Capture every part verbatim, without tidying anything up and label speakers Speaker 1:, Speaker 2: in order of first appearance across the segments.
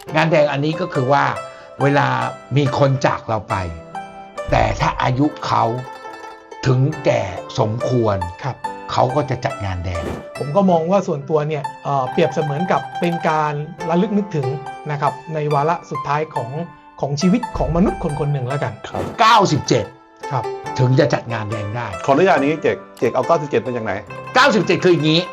Speaker 1: งานแดงอันนี้ก็คือว่าเวลามีคนจากเราไปแต่ถ้าอายุเขาถึงแก่สมควรครับเขาก็จะจัดงานแดง
Speaker 2: ผมก็มองว่าส่วนตัวเนี่ย เอ่อ เปรียบเสมือนกับเป็นการระลึกนึกถึงนะครับในวาระสุดท้ายของของชีวิตของมนุษย์คนคนหนึ่งแล้วกัน
Speaker 1: ครับเก้าสิบเจ็ด
Speaker 2: ครับ
Speaker 1: ถึงจะจัดงานแดงได้
Speaker 3: ขออนุญาตนี้เจกเจกเอาเก้าสิบเจ็ดมาจากไหน
Speaker 1: เก้าสิบเจ็ดคืออย่างนี้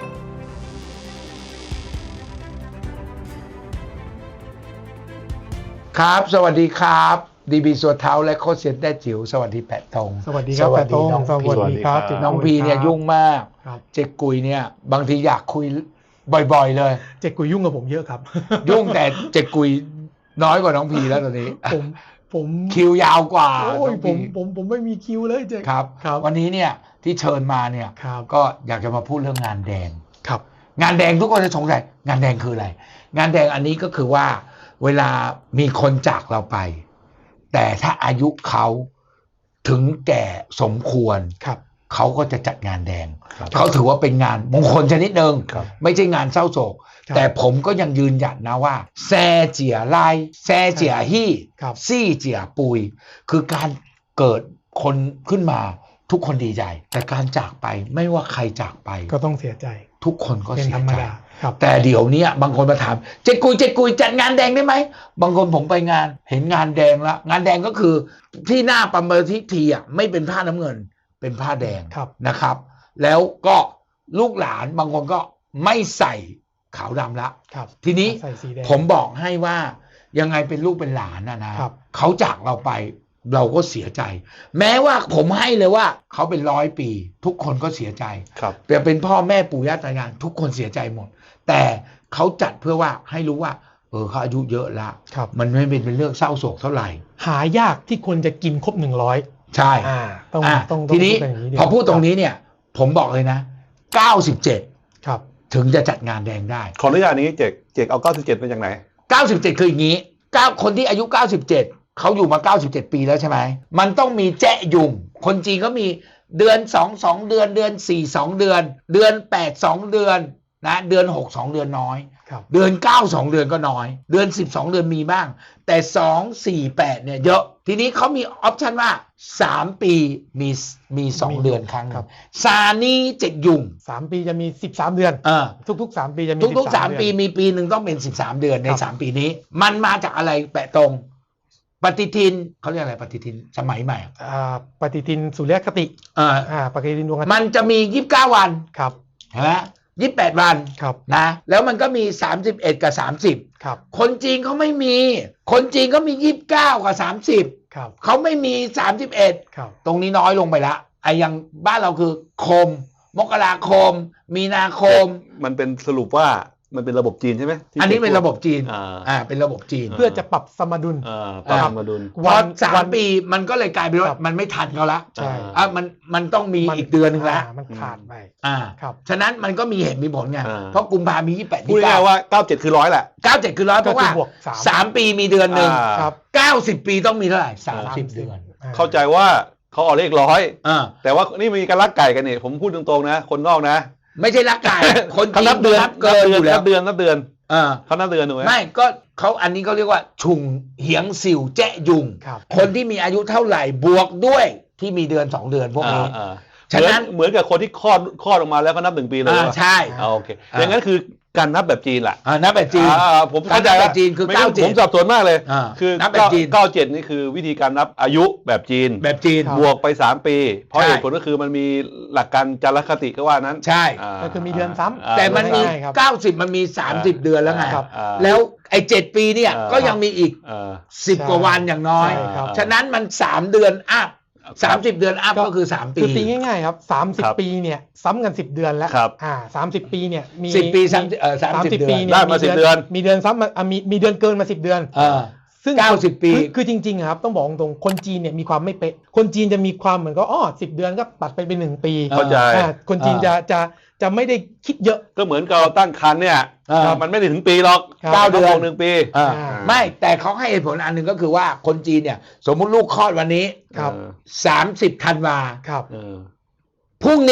Speaker 1: ครับสวัสดีครับดีบีสัวเท้าและโคชเซียนแต้จิ๋วสวัสดีแปะตง
Speaker 2: สวัสดีครับแปะตงสวัสดีครับ
Speaker 1: น้องพีเนี่ยยุ่งมากเจ๊กุยเนี่ยบางทีอยากคุยบ่อยๆเลย
Speaker 2: เจ๊กุยยุ่งกับผมเยอะครับ
Speaker 1: ยุ่งแต่เจ๊กุยน้อยกว่าน้องพีแล้วตอนนี้
Speaker 2: ผมผม
Speaker 1: คิวยาวกว่า
Speaker 2: โอ้ยผมผมผมไม่มีคิวเลยเจ๊
Speaker 1: ครับวันนี้เนี่ยที่เชิญมาเนี่ยก็อยากจะมาพูดเรื่องงานแดง
Speaker 2: ครับ
Speaker 1: งานแดงทุกคนจะสงสัยงานแดงคืออะไรงานแดงอันนี้ก็คือว่าเวลามีคนจากเราไปแต่ถ้าอายุเขาถึงแก่สมควร
Speaker 2: ครับ
Speaker 1: เขาก็จะจัดงานแดงเขาถือว่าเป็นงานมงคลชนิดหนึ่งไม่ใช่งานเศร้าโศกแต่ผมก็ยังยืนหยัดนะว่าแซ่เจี๋ยไลแซ่เจี๋ยฮี่ซี่เจี๋ยปุยคือการเกิดคนขึ้นมาทุกคนดีใจแต่การจากไปไม่ว่าใครจากไป
Speaker 2: ก็ต้องเสียใจ
Speaker 1: ทุกคนก็เสียใจ
Speaker 2: ครับ
Speaker 1: แต่เดี๋ยวนี้บางคนมาถามเจ๊กุยเจ๊กุยจัดงานแดงได้ไหมบางคนผมไปงานเห็นงานแดงแล้วงานแดงก็คือที่หน้าปั๊มเบอร์ที่ทีอ่ะไม่เป็นผ้าน้ำเงินเป็นผ้าแดงนะครับแล้วก็ลูกหลานบางคนก็ไม่ใส่ขาวดำละทีนี้ผมบอกให้ว่ายังไงเป็นลูกเป็นหลานนะนะเขาจากเราไปเราก็เสียใจแม้ว่าผมให้เลยว่าเขาเป็นร้อยปีทุกคนก็เสียใจแต่เป็นพ่อแม่ปู่ย่าตายายทุกคนเสียใจหมดแต่เขาจัดเพื่อว่าให้รู้ว่าเออเขาอายุเยอะแล้วมันไม่เป็นเรื่องเศร้าโศกเท่าไหร่
Speaker 2: หายากที่คนจะกินครบหนึ่งร้อย
Speaker 1: ใช่
Speaker 2: ต้องต้อง
Speaker 1: ทีนี้พอพูดตรงนี้เนี่ยผมบอกเลยนะเก้าสิบเจ็ด
Speaker 2: ครับ
Speaker 1: ถึงจะจัดงานแดงได้
Speaker 3: ขออนุญาตนี้เจกเจกเอาเก้าสิบเจ็ดมาจากไหน
Speaker 1: เก้าสิบเจ็ดคืออย่างนี้เก้าคนที่อายุเก้าสิบเจ็ดเขาอยู่มาเก้าสิบเจ็ดปีแล้วใช่ไหมมันต้องมีแจ๊ยุงคนจีนก็มีเดือนสอง สองเดือนเดือนสี่ สองเดือนเดือนแปด สองเดือนนะเดือนหก สองเดือนน้อยเดือนเก้า สองเดือนก็น้อยเดือนสิบสองเดือนมีบ้างแต่สอง สี่ แปดเนี่ยเยอะทีนี้เขามีออปชันว่าสามปีมีมีสองเดือนครั้งครับซานี่เจ็ดยุง
Speaker 2: สามปีจะมีสิบสามเดือน
Speaker 1: เออ
Speaker 2: ทุกๆสามปีจะมี
Speaker 1: ทุกๆสามปีมีปีนึงต้องเป็นสิบสามเดือนในสามปีนี้มันมาจากอะไรแปะตรงปฏิทินเขาเรียกอะไรปฏิทินสมัยใหม่
Speaker 2: อ่าปฏิทินสุริยคติ
Speaker 1: อ่า
Speaker 2: อ่าปฏิทินดวงอาทิตย์
Speaker 1: มันจะมียี่สิบเก้าวัน
Speaker 2: ครับ
Speaker 1: เห็นไหมยี่สิบแปดวัน
Speaker 2: ครับ
Speaker 1: นะแล้วมันก็มีสามสิบเอ็ดกับสามสิบ
Speaker 2: ครับ
Speaker 1: คนจีนเขาไม่มีคนจีนก็มียี่สิบเก้ากับสามสิบ
Speaker 2: ครับ
Speaker 1: เขาไม่มีสามสิบเอ็ด
Speaker 2: ครับ
Speaker 1: ตรงนี้น้อยลงไปละไอ้อย่างบ้านเราคือคมมกราคมมีนาคม
Speaker 3: มันเป็นสรุปว่ามันเป็นระบบจีนใช่ไหม
Speaker 1: อันนี้เป็นระบบจีนอ่าเป็นระบบจีน
Speaker 2: เพื่อจะปรับสมดุล
Speaker 3: อ่าปรับสมดุล
Speaker 1: พอสามปีมันก็เลยกลายเป็นว่ามันไม่ทันเขาละ
Speaker 2: ใช่
Speaker 1: อ่ามันมันต้องมีอีกเดือนนึงละ
Speaker 2: มันขาดไป
Speaker 1: อ่า
Speaker 2: ครับ
Speaker 1: ฉะนั้นมันก็มีเหตุมีผลไงเพราะกุมภามียี่สิบแปด
Speaker 3: พูดง่ายๆว่าเก้าสิบเจ็ดคือร้อยแหละ
Speaker 1: เก้าสิบเจ็ดคือร้อยเพราะว่าสามปีมีเดือนนึง
Speaker 2: ครับ
Speaker 1: เก้าสิบปีต้องมีเท่าไหร่สามสิบเดือน
Speaker 3: เข้าใจว่าเขาเอาเลขร้อยแต่ว่านี่มีการลักไก่กันนี่ผมพูดตรงๆนะคนนอกนะ
Speaker 1: ไม่ใช่ลักไก่คน
Speaker 3: เขานับเดือน
Speaker 1: นับเกินอยู่แล้ว
Speaker 3: นับเดือนนับเดือนเขานับเดือนถูกไหม
Speaker 1: ไม่ก็เขาอันนี้เขาเรียกว่าชุงเหียงสิวแจ๊ยุงคนที่มีอายุเท่าไหร่บวกด้วยที่มีเดือนสองเดือนพวกนี้
Speaker 3: ฉะนั้นเหมือนกับคนที่คลอดคลอดออกมาแล้วก็นับหนึ่งปีเลย
Speaker 1: ใช่
Speaker 3: โอเคอย่างนั้นคือการนับแบบจีนแหละ
Speaker 1: นับแบบจีน
Speaker 3: ผมเข้าใจ
Speaker 1: แบบจีนคือเก้าเจ็ด
Speaker 3: ผมสับสนมากเลยคือ
Speaker 1: นับแบบจีน
Speaker 3: เก้าเจ็ดนี่คือวิธีการนับอายุแบบจีน
Speaker 1: แบบจีน
Speaker 3: บวกไปสามปีเพราะเหตุผลก็คือมันมีหลักการจารคติก็ว่านั้น
Speaker 1: ใช่
Speaker 2: ก็คือมีเดือนซ้ำ
Speaker 1: แต่มันมีเก้าสิบมันมีสามสิบเดือนแล้วไงแล้วไอ้เจ็ดปีเนี่ยก็ยังมีอีกสิบกว่าวันอย่างน้อยฉะนั้นมันสามเดือนอัพสามสิบเดือนอัพก็คือสามปี
Speaker 2: คือตีง่ายๆครับสามสิบปีเนี่ยซ้ำกันสิบเดือนแล้วอ่าสามสิบปีเนี่ยมี
Speaker 1: สิบปีเอ่อสามสิบปี
Speaker 3: ได้มาสิบเดือน
Speaker 2: มีเดือนซ้ำมามีมีเดือนเกินมาสิบเดือน
Speaker 1: เออซึ่งเก้าสิบปี
Speaker 2: คือจริงๆครับต้องบอกตรงคนจีนเนี่ยมีความไม่เป๊ะคนจีนจะมีความเหมือนก็อ๋อสิบเดือนก็ตัดไปเป็นหนึ่งปี
Speaker 3: เข้าใจ
Speaker 2: คนจีนจะจะจะไม่ได้คิดเยอะ
Speaker 3: ก็เหมือนกับเราตั้งครรภ์เนี่ยมันไม่ได้ถึงปีหรอก
Speaker 1: เก้าเดือน
Speaker 3: หนึ่งปี
Speaker 1: ไม่แต่เขาให้เหตุผลอันหนึ่งก็คือว่าคนจีนเนี่ยสมมุติลูกคลอดวันนี้สามสิบธันวา
Speaker 2: ครับ
Speaker 1: พรุ่งนี้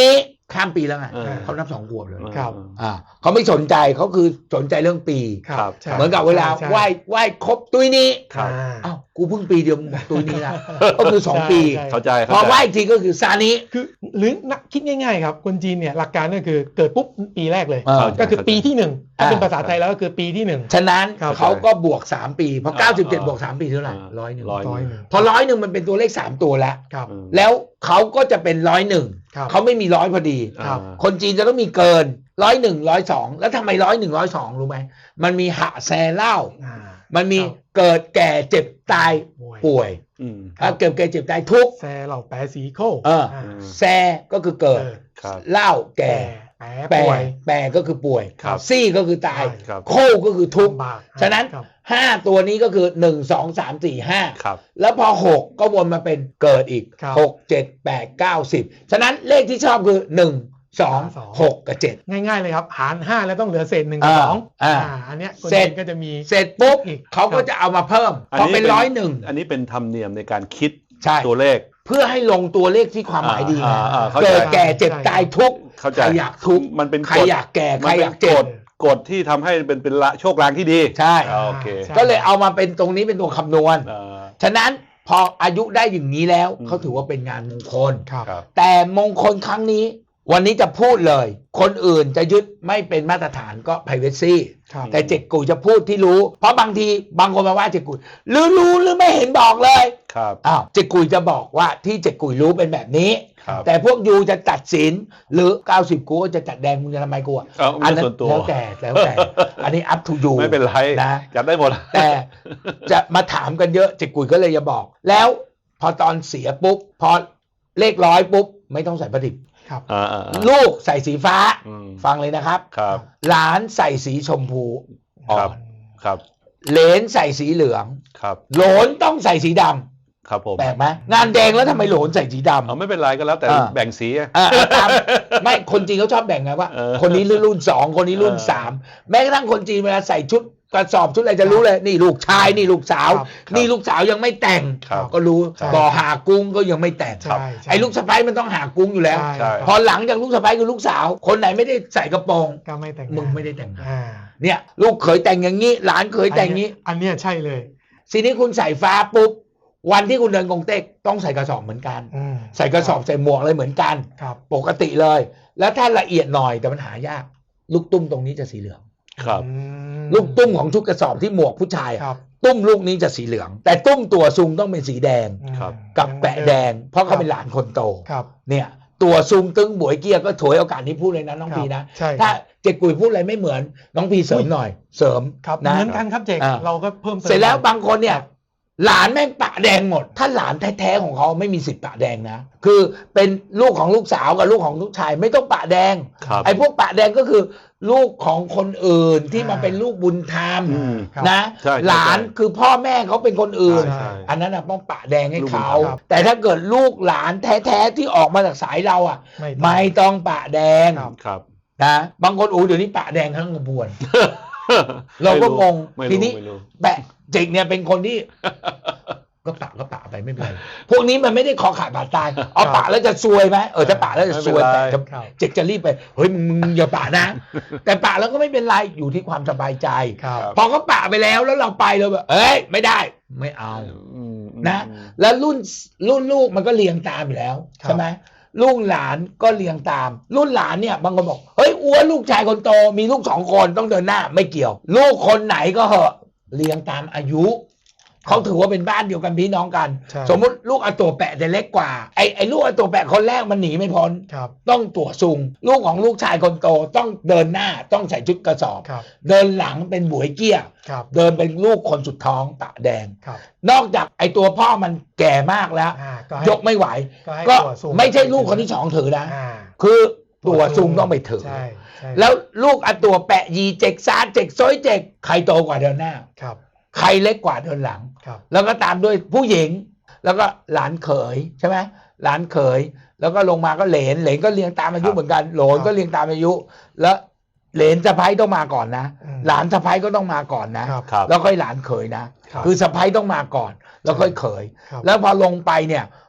Speaker 1: ข้ามปีแล้วไง
Speaker 3: เออ
Speaker 1: เขานับสองขวบเลย
Speaker 2: ครับ
Speaker 1: อ่าเขาไม่สนใจเขาคือสนใจเรื่องปี
Speaker 3: ครับ
Speaker 2: ใช่
Speaker 1: เหมือนกับเวลา
Speaker 2: ใช่
Speaker 1: ไหว้ไหว้ครบตุ้ยนี้
Speaker 3: ครับ
Speaker 2: อ่า
Speaker 1: อ้าวกูเพิ่งปีเดียวมึงบอกตุ้ยนี้ละก็คือสองปี
Speaker 2: ใช่
Speaker 3: เข้าใจ
Speaker 1: พ
Speaker 3: เข้า
Speaker 1: อ
Speaker 3: ใจ
Speaker 1: ไหว้อีกทีก็คือซานิ
Speaker 2: คือหรือนักคิดง่ายๆครับคนจีนเนี่ยหลักการก็คือเกิดปุ๊บปีแรกเลย
Speaker 1: เออ
Speaker 2: ก็คือปีที่หนึ่งถ้าเป็น
Speaker 1: อ่า
Speaker 2: ภาษาไทยแล้วก็คือปีที่หนึ่ง
Speaker 1: ฉะนั้น
Speaker 2: ครับ
Speaker 1: เขาก็บวกสามปีพอ
Speaker 3: อ่า
Speaker 1: เก้าสิบเจ็ด
Speaker 3: อ่า
Speaker 1: บวกสามปีเท่าไหร่ร้อยหนึ่ง
Speaker 3: ร้อย
Speaker 2: ร้อยหนึ่ง
Speaker 1: พอร้อยหนึ่งมันเป็นตัวเลขสามตัวแล้ว
Speaker 2: ครับ
Speaker 3: อืม
Speaker 1: แล้วเขาก็จะเป็นร้อยหนึ่ง
Speaker 2: ครับ
Speaker 1: เขาไม่มีร้อยพอดี
Speaker 2: ครับ
Speaker 1: คนจีนจะต้องมีเกินร้อยหนึ่งร้อยสองแล้วทำไมร้อยหนึ่งร้อยสองรู้ไหมมันมีหะแซเล่า
Speaker 2: อ่า
Speaker 1: มันมี
Speaker 2: ครับ
Speaker 1: เกิดแก่เจ็บตาย
Speaker 2: ป่วย
Speaker 1: ป่วย
Speaker 3: อืม
Speaker 2: ครับ
Speaker 1: อ่ะเกิดแก่เจ็บตายทุกข์
Speaker 2: แซเหล่าแปรสีโค
Speaker 1: เออ
Speaker 2: า
Speaker 1: แซก็คือเกิด
Speaker 2: เกิด
Speaker 3: ครับ
Speaker 1: เล่าแก่
Speaker 2: แปร
Speaker 1: แปร
Speaker 2: ป่วย
Speaker 1: แปรก็คือป่วย
Speaker 3: ครับ
Speaker 1: ซี่ก็คือตาย
Speaker 2: ใช่
Speaker 3: ครับ
Speaker 1: โคก็คือทุกข์
Speaker 2: ลำบาก
Speaker 1: ฉะนั้น
Speaker 2: ครับ
Speaker 1: ห้าตัวนี้ก็คือหนึ่งสองสามสี่ห้า
Speaker 3: ครับ
Speaker 1: แล้วพอหกก็วนมาเป็นเกิดอีก
Speaker 2: ครับ
Speaker 1: หกเจ็ดแปดเก้าสิบฉะนั้นเลขที่ชอบคือหนึ่งสอง
Speaker 2: สอง
Speaker 1: หกกับเจ็ด
Speaker 2: ง่ายๆเลยครับ หารห้าแล้วต้องเหลือเศษหนึ่งกับ
Speaker 1: อ่า
Speaker 2: สอง
Speaker 1: อ่า
Speaker 2: อันเนี้ยคน
Speaker 1: เสร็จ
Speaker 2: จีนก็จะมี
Speaker 1: เสร็จปุ๊บ
Speaker 2: อีก
Speaker 1: เขาก็จะเอามาเพิ่ม
Speaker 3: อัน
Speaker 1: พอ
Speaker 3: นี้
Speaker 1: เป็นร้อยหนึ่ง
Speaker 3: อันนี้เป็นธรรมเนียมในการคิด
Speaker 1: ใช่
Speaker 3: ตัวเลข
Speaker 1: เพื่อให้ลงตัวเลขที่ความหมายดี
Speaker 3: อ่าอ่าเข้าใจ
Speaker 1: เกิดแก่เจ็บตายทุกข์
Speaker 3: เข้า
Speaker 1: ใค
Speaker 3: ใจ
Speaker 1: รอยากทุกข์
Speaker 3: มันเป็น
Speaker 1: ใคร
Speaker 3: กฎ
Speaker 1: อยากแก่ใค
Speaker 3: มั
Speaker 1: ร
Speaker 3: น
Speaker 1: อ
Speaker 3: เป็
Speaker 1: ยาน กเจ็บ
Speaker 3: กฎกฎที่ทำให้เป็นเป็นละโชคลางที่ดี
Speaker 1: ใช่
Speaker 3: อ่าโอเค
Speaker 2: ใช่
Speaker 1: ก็เลยเอามาเป็นตรงนี้เป็นตัวคำนวณ
Speaker 3: อ่า
Speaker 1: ฉะนั้นพออายุได้อย่างนี้แล้ว
Speaker 3: อืม
Speaker 1: เขาถือว่าเป็นงานมงคล
Speaker 2: ครับ
Speaker 3: ครับ
Speaker 1: แต่มงคลครั้งนี้ วันนี้จะพูดเลย คนอื่นจะยึดไม่เป็นมาตรฐานก็ privacy
Speaker 2: ครับ
Speaker 1: แต่เจ็กกุยจะพูดที่รู้ เพราะบางทีบางคนมาว่าเจ็กกุยหรือรู้หรือไม่เห็นบอกเลย
Speaker 3: ครับ
Speaker 1: อ้าวเจ็กกุยจะบอกว่าที่เจ็กกุยรู้เป็นแบบนี้
Speaker 3: ครับ
Speaker 1: แต่พวกยูจะตัดสินหรือเก้าสิบกูก็จะจัดแดงมึงจะทำไมกูอ่ะ
Speaker 3: เอา
Speaker 1: อั
Speaker 3: เรื่อง
Speaker 1: นั้น
Speaker 3: ส่วนตัว
Speaker 1: แล้วแต่แล้วแต่ อันนี้ up to you
Speaker 3: ไม่เป็นไร
Speaker 1: นะ
Speaker 3: จัดได้หมด
Speaker 1: แต่จะมาถามกันเยอะเจ็กกุยก็เลยจะบอก แล้วพอตอนเสียปุ๊บพอเลขร้อยปุ๊บไม่ต้องใส่ประดิษฐ์
Speaker 2: ครับ
Speaker 3: อ่าอ่าอ่า
Speaker 1: ลูกใส่สีฟ้า
Speaker 3: อืม
Speaker 1: ฟังเลยนะครับ
Speaker 3: ครับ
Speaker 1: หลานใส่สีชมพูอ่อ
Speaker 3: ครับ
Speaker 1: น
Speaker 3: ครับ
Speaker 1: เหลนใส่สีเหลือง
Speaker 3: ครับ
Speaker 1: โหลนต้องใส่สีดำ
Speaker 3: ครับผม
Speaker 1: แปลกไหมงานแดงแล้วทำไมโหลนใส่สีดำ
Speaker 3: เอาไม่เป็นไรก็แล้วแต่
Speaker 1: อ่า
Speaker 3: แบ่งสีอะ
Speaker 1: อ่าตามไม่คนจีนเขาชอบแบ่งไงว่า
Speaker 3: เออ
Speaker 1: คนนี้รุ่นสองคนนี้รุ่น
Speaker 3: เออ
Speaker 1: สามแม้กระทั่งคนจีนเวลาใส่ชุดกระสอบชุดอะไรจะรู้เลย นี่ลูกชายนี่ลูกสาว
Speaker 2: ครับ
Speaker 1: นี่ลูกสาวยังไม่แต่ง
Speaker 3: ครับ
Speaker 1: ก็รู้
Speaker 2: ใช่
Speaker 1: บ่อหากุ้งก็ยังไม่แต่ง
Speaker 2: ใช่ใช่
Speaker 1: ไอ้ลูกสะใภ้มันต้องหากุ้งอยู่แล้ว
Speaker 2: ใช่
Speaker 3: ใช่
Speaker 1: พอหลังจากลูกสะใภ้คือลูกสาว คนไหนไม่ได้ใส่กระโปรง
Speaker 2: ก็ไม่แต่ง
Speaker 1: มึงไม่ได้แต่งงาน
Speaker 2: อ่า
Speaker 1: เนี่ยลูกเขยแต่งอย่างนี้ หลานเขยแต่งอย่างนี้
Speaker 2: อันเนี้ยใช่เลย
Speaker 1: ทีนี้คุณใส่ฟ้าปุ๊บวันที่คุณเดินกงเต็กต้องใส่กระสอบเหมือนกัน
Speaker 2: อืม
Speaker 1: ใส่กระสอบใส่หมวกอะไรเหมือนกัน
Speaker 2: ครับ
Speaker 1: ปกติเลย แล้วถ้าละเอียดหน่อยแต่มันหายาก ลูกตุ้มตรงนี้จะสีเหลือง
Speaker 3: ครับ
Speaker 2: อืม
Speaker 1: ลูกตุ้มของชุดกระสอบที่หมวกผู้ชายอะ
Speaker 2: ครับ
Speaker 1: ตุ้มลูกนี้จะสีเหลือง แต่ตุ้มตัวซุงต้องเป็นสีแดง
Speaker 3: ครับ
Speaker 1: กับแปะแดง เพราะเขาเป็นหลานคนโต
Speaker 2: ครับ
Speaker 1: เนี่ยตัวซุงตึงบวยเกียก็ถวยโอกาสนี้พูดเลยนะน้องพีนะ
Speaker 2: ใช่
Speaker 1: ถ้าเจกุยพูดอะไรไม่เหมือนน้องพีเสริมหน่อย เสริม
Speaker 2: ครับ
Speaker 1: นะ
Speaker 2: เหมือนกันครับเจก
Speaker 1: อ่า
Speaker 2: เราก็เพิ่มติม
Speaker 1: เสร็จแล้วบางคนเนี่ยหลานแม่งปะแดงหมด ถ้าหลานแท้ๆของเขาไม่มีสิทธิ์ปะแดงนะ คือเป็นลูกของลูกสาวกับลูกของลูกชายไม่ต้องปะแดง
Speaker 3: ครับ
Speaker 1: ไอ้พวกปะแดงก็คือ ลูกของคนอื่นที่มาเป็นลูกบุญธรรม
Speaker 3: อืม
Speaker 2: ครับ
Speaker 1: นะ
Speaker 3: ใช่ใช่
Speaker 1: หลานคือพ่อแม่เขาเป็นคนอื่น
Speaker 3: ใช่
Speaker 1: อันนั้นน่ะต้องปะแดงให้เขา
Speaker 3: ลูกบุญธรรม
Speaker 1: แต่ถ้าเกิดลูกหลานแท้ๆที่ออกมาจากสายเราอ่ะ
Speaker 2: ไม่ต้อง
Speaker 1: ไม่ต้องปะแดง
Speaker 2: ครับ
Speaker 3: ครับ
Speaker 1: นะบางคนโอ้เดี๋ยวนี้ปะแดงทั้งกระบวน เราก็งง
Speaker 3: ไม่
Speaker 1: ที
Speaker 3: รู้
Speaker 1: นี้
Speaker 3: ไม่รู้
Speaker 1: แปะเจกเนี่ยเป็นคนที่ ก็ปะก็ปะไปไม่เป็นไรพวกนี้มันไม่ได้คอขาดบาดตายเอาปะแล้วจะซวยไหมเออถ้าปะแล้วจะซวย
Speaker 3: ไม่
Speaker 1: แต่
Speaker 3: เป็นไร
Speaker 1: จะ
Speaker 2: ครับ
Speaker 1: เจกจะรีบไปเฮ้ยมึงมึงอย่าปะนะ แต่ปะแล้วก็ไม่เป็นไรอยู่ที่ความสบายใจ
Speaker 2: ครับ
Speaker 1: พอเขาปะไปแล้วแล้วเราไปเราแบบเอ้ยไม่ได้ไม่เอา
Speaker 3: อืม
Speaker 1: นะ แล้วรุ่นรุ่นลูกมันก็เรียงตามอยู่แล้ว
Speaker 2: ครับ
Speaker 1: ใช่ไหมลูกหลานก็เรียงตาม รุ่นหลานเนี่ยบางคนบอกเฮ้ยอ้วนลูกชายคนโตมีลูกสองคนต้องเดินหน้าไม่เกี่ยว ลูกคนไหนก็เหอะเรียงตามอายุเขาถือว่าเป็นบ้านเดียวกันพี่น้องกัน
Speaker 2: ใช่
Speaker 1: สมมุติลูกอาตัวแปะจะเล็กกว่าไอ้ไอ้ลูกอาตัวแปะคนแรกมันหนีไม่พ้น
Speaker 2: ครับ
Speaker 1: ต้องตัวซุงลูกของลูกชายคนโตต้องเดินหน้าต้องใส่ชุดกระสอบ
Speaker 2: ครับ
Speaker 1: เดินหลังเป็นบวยเกี้ย
Speaker 2: ครับ
Speaker 1: เดินเป็นลูกคนสุดท้องปะแดง
Speaker 2: ครับ
Speaker 1: นอกจากไอ้ตัวพ่อมันแก่มากแล้ว
Speaker 2: อ่าก็ให้
Speaker 1: ยกไม่ไหว
Speaker 2: ก็ให้
Speaker 1: ก็
Speaker 2: ตัวซูม
Speaker 1: ไม่ใช่ลูกคนที่สองถือนะ
Speaker 2: อ่า
Speaker 1: คือตัวซุงต้องไปถือ
Speaker 2: ใช่ใช่
Speaker 1: แล้วลูกอันตัวแปะยีเจกซาเจกซอยเจกใครโตกว่าเดินหน้า
Speaker 2: ครับ
Speaker 1: ใครเล็กกว่าเดินหลัง
Speaker 2: ครับ
Speaker 1: แล้วก็ตามด้วยผู้หญิง แล้วก็หลานเขยใช่ไหมหลานเขย แล้วก็ลงมาก็เหลนเหลนก็เรียงตามอายุ
Speaker 3: ครับ
Speaker 1: เหมือนกันโหลน
Speaker 2: ครับ
Speaker 1: ก็เรียงตามอายุ แล้วเหลนสะพ้ายต้องมาก่อนนะ
Speaker 2: อืม
Speaker 1: หลานสะพ้ายก็ต้องมาก่อนนะ
Speaker 2: ครับ
Speaker 3: ครับ
Speaker 1: แล้วค่อยหลานเขยนะ
Speaker 2: ครับ
Speaker 1: คือสะพ้ายต้องมาก่อน แล้วค่อยเขย
Speaker 2: ครับ
Speaker 1: แล้วพอลงไปเนี่ย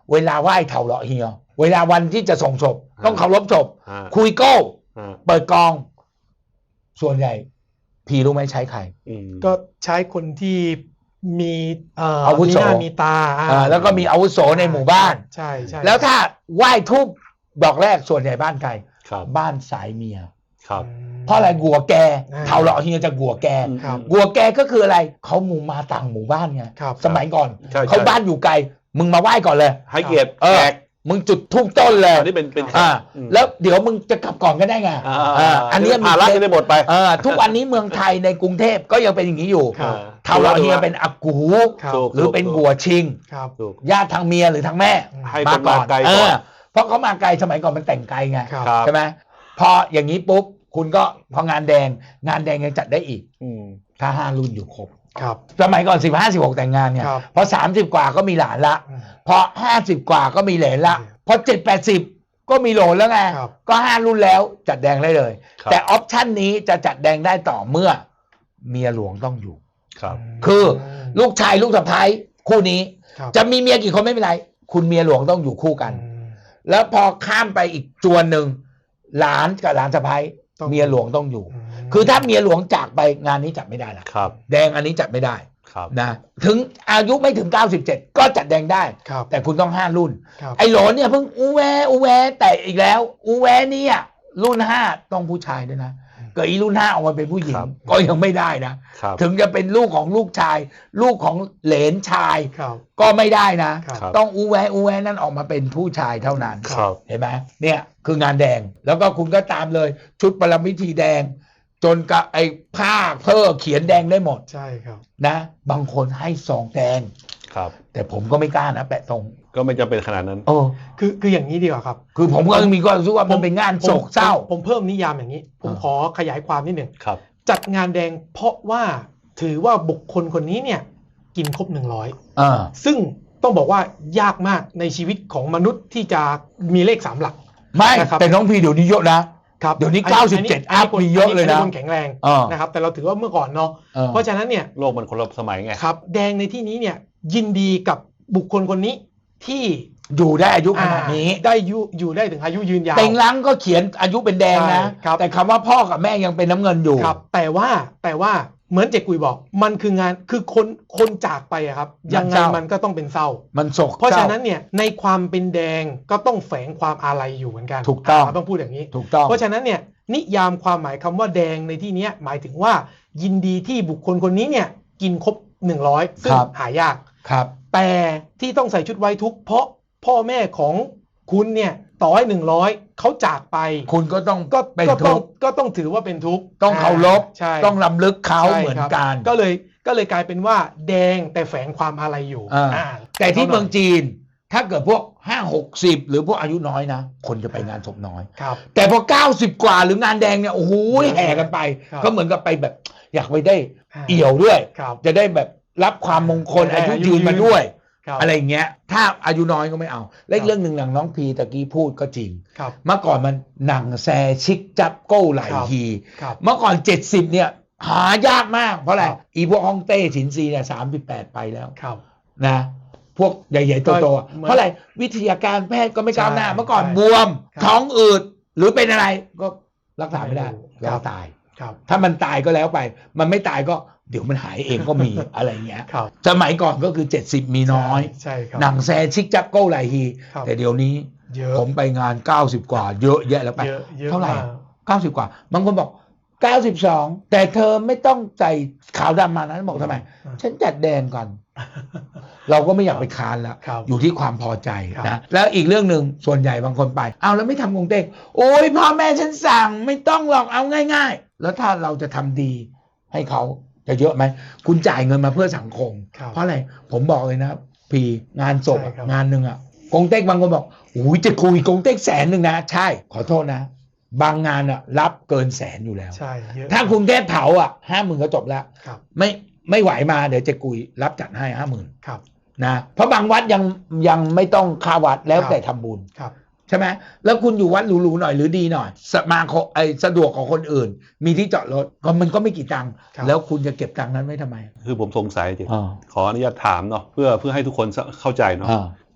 Speaker 1: เวลาไหว้เถาเหลาะเฮียเวลาวันที่จะส่งศพต้องเคารพศพ
Speaker 3: อ่า
Speaker 1: คุยโก้
Speaker 3: อ่า
Speaker 1: เปิดกอง ส่วนใหญ่พี่รู้ไหมใช้ใคร
Speaker 3: อืม
Speaker 2: ก็ใช้คนที่มีเอ่อ
Speaker 1: อาวุ
Speaker 2: มี
Speaker 1: โส
Speaker 2: หน้ามีตาอ่า
Speaker 1: อ่าแล้วก็มีอาวุโสในหมู่บ้าน
Speaker 2: ใช่ใช่
Speaker 1: แล้วถ้าไหว้ทุบดอกแรกส่วนใหญ่บ้านใคร
Speaker 3: ครับ
Speaker 1: บ้านสายเมีย
Speaker 3: ครับ
Speaker 1: เพราะอะไรกัวแก
Speaker 2: อ่า
Speaker 1: เถาเหลาะเฮียจะกัวแก
Speaker 2: ครับ
Speaker 1: กัวแกก็คืออะไรเขาหมู่มาต่างหมู่บ้านไง
Speaker 2: ครับ
Speaker 1: สมัยก่อน
Speaker 3: ใช่
Speaker 1: เขา
Speaker 3: ใช่
Speaker 1: บ้านอยู่ไกลมึงมาไหว้ก่อนเลย
Speaker 3: ให้เกียรติ
Speaker 1: เออ
Speaker 3: แขก
Speaker 1: มึงจุดทูบต้นเลย
Speaker 3: อันนี้เป็นเป็น
Speaker 1: อ่า
Speaker 3: อืม
Speaker 1: แล้วเดี๋ยวมึงจะกลับก่อนก็ได้ไง
Speaker 3: อ่า
Speaker 1: อ่าอันเนี้ย
Speaker 3: ภาระจะได้หมดไป
Speaker 1: เออทุกวันนี้เมืองไทยในกรุงเทพก็ยังเป็นอย่างนี้อยู่
Speaker 2: ครับ
Speaker 1: เถาเหลาะเฮียเป็นอากู
Speaker 2: ครับ
Speaker 3: ถูก
Speaker 1: หรือเป็นกัวชิง
Speaker 2: ครับ
Speaker 3: ถูก
Speaker 1: ญาติทางเมียหรือทางแม่
Speaker 3: ให้คนมาไกล
Speaker 1: เอ
Speaker 3: ก่อ
Speaker 1: อน เพราะเขามาไกลสมัยก่อนมันแต่งไกลไง
Speaker 2: ครับ
Speaker 3: ครับ
Speaker 1: ใช่ไหมพออย่างนี้ปุ๊บคุณก็พองานแดงงานแดงยังจัดได้อีก
Speaker 3: อืม
Speaker 1: ถ้าห้ารุ่นอยู่ครบ
Speaker 2: ครับ
Speaker 1: สมัยก่อนสิบห้าสิบหกแต่งงานเนี่ย
Speaker 2: ครับ
Speaker 1: พอสามสิบกว่าก็มีหลานละ
Speaker 2: อืม
Speaker 1: พอห้าสิบกว่าก็มีเหลนละ
Speaker 2: อืม
Speaker 1: พอเจ็ดแปดสิบก็มีโหลนแล้วไง
Speaker 2: ครับ
Speaker 1: ก็ห้ารุ่นแล้วจัดแดงได้เลย
Speaker 3: ครับ
Speaker 1: แต่ออปชันนี้จะจัดแดงได้ต่อเมื่อเมียหลวงต้องอยู่
Speaker 3: ครับ
Speaker 1: คือลูกชายลูกสะใภ้คู่นี้
Speaker 2: ครับ
Speaker 1: จะมีเมียกี่คนไม่เป็นไรคุณเมียหลวงต้องอยู่คู่กัน
Speaker 2: อืม
Speaker 1: แล้วพอข้ามไปอีกจวนหนึ่งหลานกับหลานสะใภ้
Speaker 2: ต้อง
Speaker 1: เมียหลวงต้องอยู่
Speaker 2: อืม
Speaker 1: คือถ้าเมียหลวงจากไปงานนี้จัดไม่ได้ละ
Speaker 3: ครับ
Speaker 1: แดงอันนี้จัดไม่ได้
Speaker 3: ครับ
Speaker 1: นะถึงอายุไม่ถึงเก้าสิบเจ็ดก็จัดแดงได้
Speaker 2: ครับ
Speaker 1: แต่คุณต้องห้ารุ่น
Speaker 2: ครับ
Speaker 1: ไอ้โหลเนี่ยเพิ่งอูแวอูแวแต่อีกแล้ว อูแวเนี่ยรุ่นห้าต้องผู้ชายด้วยนะเกิดอีรุ่นห้าออกมาเป็นผู้หญิง
Speaker 3: ครับ
Speaker 1: ก็ยังไม่ได้นะ
Speaker 3: ครับ
Speaker 1: ถึงจะเป็นลูกของลูกชาย ลูกของเหลนชาย
Speaker 2: ครับ
Speaker 1: ก็ไม่ได้นะ
Speaker 2: ครับ
Speaker 3: ครับ
Speaker 1: ต้องอูแวอูแวนั่นออกมาเป็นผู้ชายเท่านั้น
Speaker 3: ครับ
Speaker 1: เห็นไหมเนี่ยคืองานแดงแล้วก็คุณก็ตามเลยชุดประพิธีแดง จนกับไอ้ผ้าเพ้อเขียนแดงได้หมด
Speaker 2: ใช่ครับ
Speaker 1: นะบางคนให้ซองแดง
Speaker 3: ครับ
Speaker 1: แต่ผมก็ไม่กล้านะแปะตรง
Speaker 3: ก็ไม่จำเป็นขนาดนั้น
Speaker 1: โอ้
Speaker 2: คือคืออย่างนี้ดีกว่าครับ
Speaker 1: คือผมก็มีความรู้สึกว่ามันเป็นงานโศกเศร้า
Speaker 2: ผมผมเพิ่มนิยามอย่างนี้ ผม
Speaker 1: อ่า
Speaker 2: ขอขยายความนิดหนึ่ง
Speaker 3: ครับ
Speaker 2: จัดงานแดงเพราะว่าถือว่าบุคคลคนนี้เนี่ยกินครบหนึ่งร้อย
Speaker 1: อ่า
Speaker 2: ซึ่งต้องบอกว่ายากมากในชีวิตของมนุษย์ที่จะมีเลขสามหลัก
Speaker 1: ไม่
Speaker 2: นะครับ
Speaker 1: แต่น้องพีเดี๋ยวนี้เยอะนะครับ เดี๋ยวนี้
Speaker 2: อั
Speaker 1: เก้าสิบเจ็ด
Speaker 2: อัน
Speaker 1: อั
Speaker 2: นี้
Speaker 1: พมีเยอะเลยนะ
Speaker 2: อัคนแข็งแรง
Speaker 1: อ่าน
Speaker 2: นะครับแต่เราถือว่าเมื่อก่อนเนาะ
Speaker 1: อ่า
Speaker 2: เพราะฉะนั้นเนี่ย
Speaker 3: โลกมันคนละสมัยไง
Speaker 2: ครับแดงในที่นี้เนี่ยยินดีกับบุคคลคนนี้ที่
Speaker 1: อยู่ได้อายุขนาดนี้
Speaker 2: อ่าได้อยู่อยู่ได้ถึงอายุยืนยาว
Speaker 1: เต็งลังก็เขียนอายุเป็นแดงนะ
Speaker 2: ใช่ครับ
Speaker 1: แต่คำว่าพ่อกับแม่ยังเป็นน้ำเงินอยู่
Speaker 2: ครับแต่ว่าแต่ว่าเหมือนเจกุยบอกมันคืองานคือคนคนจากไปอะครับ
Speaker 1: มัน
Speaker 2: ยังไง
Speaker 1: เศร้ามั
Speaker 2: มันก็ต้องเป็นเศร้า
Speaker 1: มันโศก
Speaker 2: เพราะ
Speaker 1: เศ
Speaker 2: ฉะ
Speaker 1: ร้า
Speaker 2: นั้นเนี่ยในความเป็นแดงก็ต้องแฝงความอาลัยอยู่เหมือนกัน
Speaker 1: ถูกต้อง
Speaker 2: าต้องพูดอย่างนี้
Speaker 1: ถูกต้อง
Speaker 2: เพราะฉะนั้นเนี่ยนิยามความหมายคำว่าแดงในที่เนี้ยหมายถึงว่ายินดีที่บุคคลคนนี้เนี่ยกินครบหนึ่งร้อยซึ่ง
Speaker 1: ครับ
Speaker 2: หายาก
Speaker 1: ครับ
Speaker 2: แต่ที่ต้องใส่ชุดไว้ทุกข์เพราะพ่อแม่ของคุณเนี่ยต่อให้หนึ่งร้อยเขาจากไป
Speaker 1: คุณก็ต้อง
Speaker 2: ก็
Speaker 1: เป็น
Speaker 2: ก็ต้อง
Speaker 1: ทุกข์
Speaker 2: ก็ต้องถือว่าเป็นทุกข์
Speaker 1: ต้องเคารพ
Speaker 2: ใช่
Speaker 1: ต้องลำลึกเขา
Speaker 2: ใช่
Speaker 1: เหมือน
Speaker 2: ครับ
Speaker 1: กัน
Speaker 2: ก็เลยก็เลยกลายเป็นว่าแดงแต่แฝงความอาลัยอยู่
Speaker 1: อ่า
Speaker 2: อ่า
Speaker 1: แต่ที่เมืองจีน ถ้าเกิดพวกห้าหกสิบหรือพวกอายุน้อยนะ คนจะไปงานศพน้อย
Speaker 2: ครับ
Speaker 1: แต่พอเก้าสิบกว่าหรืองานแดงเนี่ยโอ้โหแห่กันไป
Speaker 2: ครับ
Speaker 1: ก็เหมือนกับไปแบบอยากไปได้
Speaker 2: อ่า
Speaker 1: เอี่ยวด้วย
Speaker 2: ครับ
Speaker 1: จะได้แบบรับความมงคล
Speaker 2: ได้
Speaker 1: อายุ
Speaker 2: อายุ
Speaker 1: ยืน
Speaker 2: ยืน
Speaker 1: มาด้วย
Speaker 2: ครับ
Speaker 1: อะไรอย่างเงี้ย ถ้าอายุน้อยก็ไม่เอา และอีก
Speaker 2: ครับ
Speaker 1: เรื่องหนึ่งหลังน้องพีตะกี้พูดก็จริง
Speaker 2: ครับ
Speaker 1: เมื่อก่อนมันหนังแซชิกจับโก้ไหล
Speaker 2: ครับ
Speaker 1: ที
Speaker 2: ครับ
Speaker 1: เมื่อก่อนเจ็ดสิบเนี่ยหายากมากเพราะอะไร
Speaker 2: ครับ
Speaker 1: อีพวกฮ่องเต้ฉินซีเนี่ยสามสิบแปดไปแล้ว
Speaker 2: ครับ
Speaker 1: นะพวกใหญ่ๆโตๆอะ
Speaker 2: เหมือน
Speaker 1: เพราะอะไรวิทยาการแพทย์ก็ไม่ก้าวหน้า
Speaker 2: ใช่
Speaker 1: เมื่อก่อน
Speaker 2: ใช่
Speaker 1: บวม
Speaker 2: ครับ
Speaker 1: ท้องอืดหรือเป็นอะไรก็รักษาไม่ได้
Speaker 2: ไม่รู้
Speaker 1: แล้ว
Speaker 2: ครับ
Speaker 1: ตาย
Speaker 2: ครับ
Speaker 1: ถ้ามันตายก็แล้วไป มันไม่ตายก็เดี๋ยวมันหายเองก็มี อะไรเงี้ย
Speaker 2: ครับ
Speaker 1: สมัยก่อนก็คือเจ็ดสิบมีน้อย
Speaker 2: ใช่ครับ
Speaker 1: หนังแซชิกจับโก้ไหลฮี
Speaker 2: ครับ
Speaker 1: แต่เดี๋ยวนี้
Speaker 2: เยอะ
Speaker 1: ผมไปงานเก้าสิบกว่าเยอะแยะแล้วไป
Speaker 2: เยอะเยอะ
Speaker 1: เท่าไหร่
Speaker 2: มก
Speaker 1: เก้าสิบกว่าบางคนบอกเก้าสิบสองแต่เธอไม่ต้องใส่ขาวดำมานะบอกทำไม
Speaker 2: อืม
Speaker 1: ฉันจัดแดงก่อน เราก็ไม่อยากไปค้านแล้ว
Speaker 2: ครับ
Speaker 1: อยู่ที่ความพอใจ
Speaker 2: ครับ
Speaker 1: นะแล้วอีกเรื่องหนึ่งส่วนใหญ่บางคนไปเอาแล้วไม่ทำกงเต็กโอ้ยพ่อแม่ฉันสั่งไม่ต้องหรอกเอาง่ายๆ แล้วถ้าเราจะทำดีให้เขาจะเยอะไหมคุณจ่ายเงินมาเพื่อสังคม
Speaker 2: ครับ
Speaker 1: เพราะอะไรผมบอกเลยนะพีงานศพอะ
Speaker 2: ใช่ครับ
Speaker 1: งานหนึ่งอะกงเต็กบางคนบอกโอ้ยจะคุยกงเต็กแสนหนึ่งนะใช่ขอโทษนะ บางงานอะรับเกินแสนอยู่แล้ว
Speaker 2: ใช่เยอะ
Speaker 1: ถ้ากรุงเทพเผาอ่ะห้าหมื่นก็จบแล้ว
Speaker 2: ครับ
Speaker 1: ไม่ไม่ไหวมาเดี๋ยวเจะกุยรับจัดให้ห้าหมื่น
Speaker 2: ครับ
Speaker 1: นะเพราะบางวัดยังยังไม่ต้องค่าวัดแล้ว
Speaker 2: ครับ
Speaker 1: แต่ทำบุญ
Speaker 2: ครับ
Speaker 1: ใช่ไหมแล้วคุณอยู่วัดหรูๆหน่อยหรือดีหน่อยสมาคมไอสะดวกของคนอื่น มีที่จอดรถก็มันก็ไม่กี่ตังค์
Speaker 2: ครับ
Speaker 1: แล้วคุณจะเก็บตังค์นั้นไว้ทำไม
Speaker 3: คือผมสงสัยจริง
Speaker 1: อ่า
Speaker 3: ขออนุญาตถามเนาะเพื่อเพื่อให้ทุกคนเข้าใจเนาะ
Speaker 1: อ่า